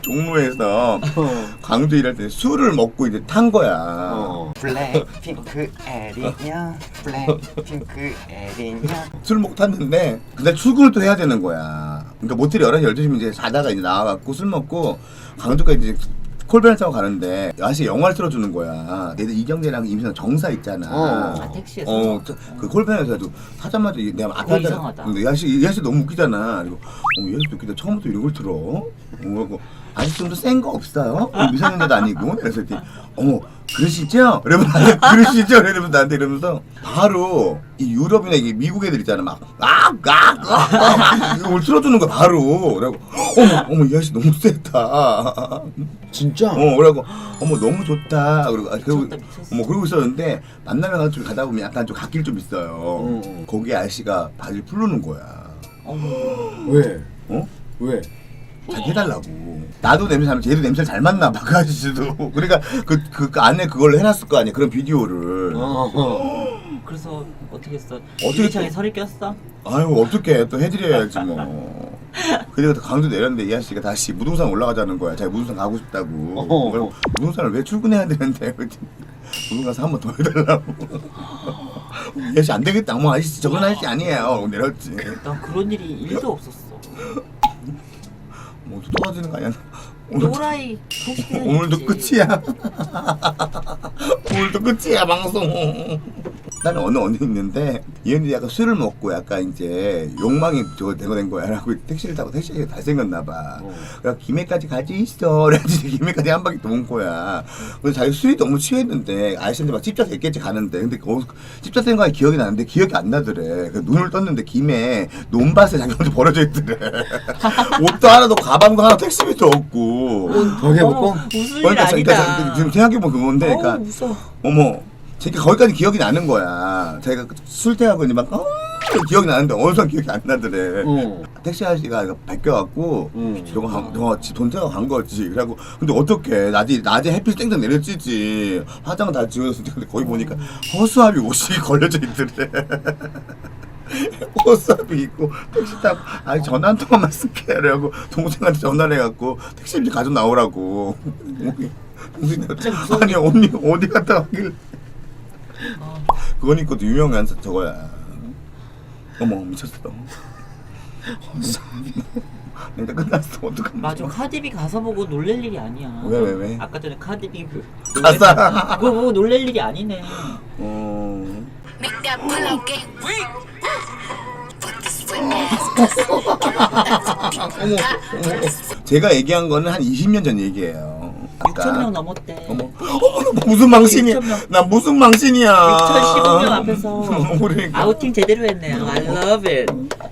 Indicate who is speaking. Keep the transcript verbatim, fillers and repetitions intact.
Speaker 1: 종로에서 광주 일할 때 술을 먹고 이제 탄 거야.
Speaker 2: 어.
Speaker 3: 블랙핑크 에리냐 블랙핑크 에리냐
Speaker 1: 술 먹고 탔는데 그날 출근을 또 해야 되는 거야. 그러니까 모텔이 열한 시 열두 시면 이제 자다가 이제 나와갖고 술 먹고 광주까지 이제 콜밴을 타고 가는데 아저씨 영화를 틀어주는 거야. 얘들 이경재랑 임신한 정사 있잖아.
Speaker 2: 어.
Speaker 4: 아, 택시에서?
Speaker 1: 어, 저- 그 콜밴에서 해도 타자마자 이- 내가 앞에
Speaker 4: 어,
Speaker 1: 앉아-
Speaker 4: 이상하다.
Speaker 1: 근데 이 아저씨, 이 아저씨 너무 웃기잖아. 그리고 어머 이 아저씨 웃기다. 처음부터 이런 걸 틀어? 어, 그리고 아저씨 좀 더 센 거 없어요? 미성년자도 아니고. 그래서 이렇게 어머 그러시죠? 이러면 나한테 그러시죠? 이러면서 나한테 이러면서 바로 이 유럽이나 이게 미국 애들 있잖아 막악악악 이걸 틀어주는 거야 바로. 그래고 어머 어머 이 아저씨 너무 세다.
Speaker 2: 진짜?
Speaker 1: 어 그래고 어머 너무 좋다. 그리고 아, 그리고
Speaker 4: 미쳤다, 미쳤어.
Speaker 1: 어머 그러고 있었는데 만나면 가서 좀 가다 보면 약간 좀 갓길 좀 있어요.
Speaker 2: 음.
Speaker 1: 거기 아저씨가 바지를 풀르는 거야.
Speaker 4: 어머.
Speaker 2: 왜?
Speaker 1: 어?
Speaker 2: 왜?
Speaker 1: 자기 해달라고. 나도 냄새 잘, 쟤도 냄새를 잘 맡나 봐, 그 아저씨도. 그러니까 그, 그, 그 안에 그걸 해놨을 거 아니야, 그런 비디오를.
Speaker 2: 어.
Speaker 4: 그래서 어떻게 했어?
Speaker 1: 어떻게
Speaker 4: 유리창에
Speaker 1: 또-
Speaker 4: 설이 꼈어?
Speaker 1: 아유, 어떡해. 또 해드려야지, 뭐. 그래서 강도 내렸는데 이 아저씨가 다시 무등산 올라가자는 거야. 자기 무등산 가고 싶다고.
Speaker 2: 어허.
Speaker 1: 그래서 무등산을 왜 출근해야 되는데. 그랬더니 무등산 가서 한 번 더 해달라고. 이 아저씨 안 되겠다. 어머, 아저씨 저건 아저씨 아니에요. 내렸지.
Speaker 4: 난 그런 일이 일도 없었어.
Speaker 1: 뭐, 또 떨어지는 거 아니야? 오늘,
Speaker 4: 또라이 소식이
Speaker 1: 오늘도 끝이야. 오늘도 끝이야, 방송. 나는 어느 언니 있는데 이 언니 약간 술을 먹고 약간 이제 욕망이 저거 되고 된 거야. 라고 택시를 타고 택시가 잘생겼나 봐.
Speaker 2: 어.
Speaker 1: 그래서 김해까지 가지 있어. 그래가지고 김해까지 한 바퀴 도는 거야. 그래서 자기 술이 너무 취했는데 아저씨한테 막 집자 됐겠지 가는데 근데 그 집자 된 거가 기억이 나는데 기억이 안 나더래. 그 눈을 떴는데 김해 논밭에 자기 혼자 버려져 있더래. 옷도 하나도 가방도 하나 택시비도 없고.
Speaker 2: 벽에
Speaker 4: 어머,
Speaker 2: 묶어?
Speaker 4: 웃을 일
Speaker 1: 그러니까,
Speaker 4: 아니다.
Speaker 1: 그러니까 지금 생각해보면 그건데
Speaker 4: 어우,
Speaker 1: 그러니까
Speaker 4: 무서워.
Speaker 1: 어머 제가 거기까지 기억이 나는 거야. 제가 술 때하고 이제 막 어, 기억이 나는데 어느 순간 기억이 안 나더래.
Speaker 2: 어.
Speaker 1: 택시 아저씨가 이거 베껴갖고
Speaker 2: 음.
Speaker 1: 저거 한- 저거 돈 태워 간 거지. 그래갖고 근데 어떡해 낮에 낮에 햇빛 땡땡 내려지지. 화장 다 지워졌을 때 근데 거기 보니까 허수아비 옷이 걸려져 있더래. 허수아비 있고 택시 타고 아니 전화 한 통화만 쓸게. 그래갖고 동생한테 전화를 해갖고 택시 이제 가져 나오라고. 동생이 아니 언니 어디 갔다 왔길래.
Speaker 4: 어.
Speaker 1: 그건 있고도 유명한 저거야. 어머 미쳤어. 내가 끝났어 어떡하면
Speaker 4: 맞아.
Speaker 1: 좋아.
Speaker 4: 카디비 가서 보고 놀랄 일이 아니야.
Speaker 1: 왜, 왜, 왜?
Speaker 4: 아까 전에 카디비 그
Speaker 1: 가사.
Speaker 4: 그거 보고 놀랄 일이 아니네.
Speaker 1: 어.
Speaker 5: Make that pull out game weak. Put this foot ass.
Speaker 1: 제가 얘기한 거는 한 이십 년 전 얘기예요.
Speaker 4: 육천 명 넘었대.
Speaker 1: 어머, 어머 나 무슨 망신이야?
Speaker 4: 육천 명.
Speaker 1: 나 무슨 망신이야?
Speaker 4: 육천십오 명 앞에서
Speaker 1: 그러니까.
Speaker 4: 아우팅 제대로 했네요. I love it.